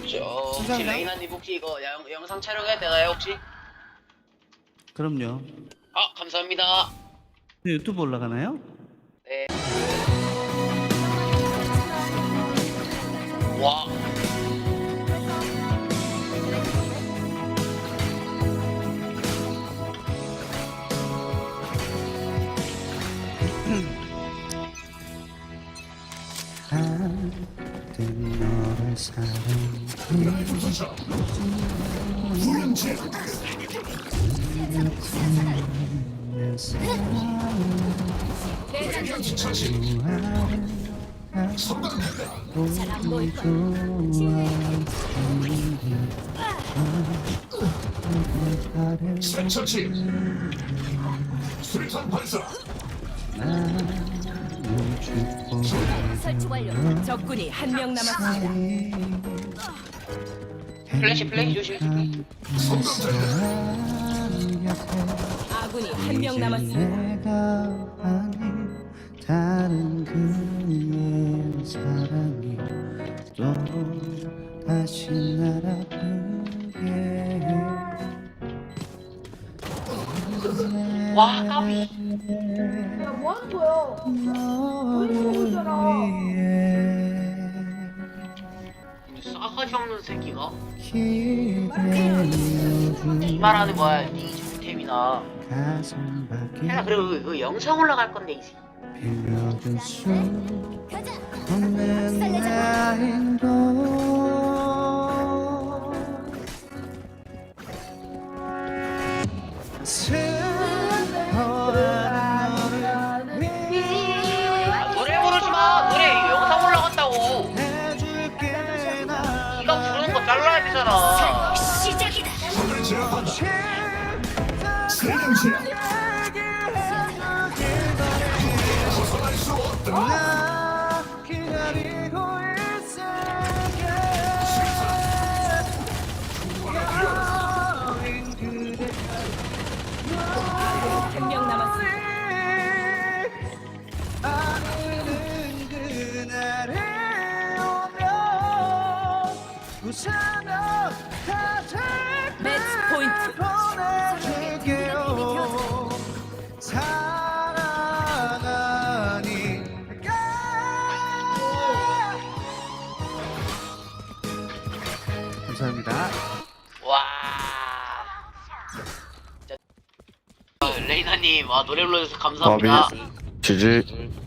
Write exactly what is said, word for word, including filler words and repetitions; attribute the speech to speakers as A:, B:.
A: 저 혹시
B: 감사합니다.
A: 레이나님 혹시 이거 영, 영상 촬영해도 되나요 혹시?
B: 그럼요.
A: 아 감사합니다.
B: 유튜브 올라가나요?
A: 네. 와.
B: 그땐 너를
C: 잘안 보일까?
D: 생처치 수리탄 발사
C: 설치 완료. 적군이 한 명 남았습니다.
A: 플래시 플래시 조심.
C: 아군이 한 명 남았습니다.
B: 내가 아닌 다른 그의 사랑이 또 다시 날 아프게
A: 와 까비.
E: 야, 뭐 하는 거야? 우리 보고 있잖아.
A: 싸가지 없는 새끼가
B: 기대어준
A: 이 말하는 거야. 네 정템이나.
B: 가슴 밖에
A: 야 그리고 그, 그 영상 올라갈 건데 이 새끼.
B: 빌려줄 수
C: 가자.
B: 없는 나인도 슬퍼하는 너를
A: 아, 노래 부르지 마. 노래 영상 올라간다고.
B: 해줄게 나
A: 네가 부르는 거 잘라야 되잖아.
C: 시작이다.
D: 적을 제압한다 세명 제압 벗어날 수 없다
B: 나 기다리고 있을게 여인 그대
C: 한 명 남았습니다.
B: 아무는 그날에 오면 웃으며 가장
C: 매치 포인트.
B: 보내줄게요 사랑하니까 감사합니다.
A: 와. 진짜. 아, 레이나님, 와 노래 불러줘서 감사합니다.
F: 지지.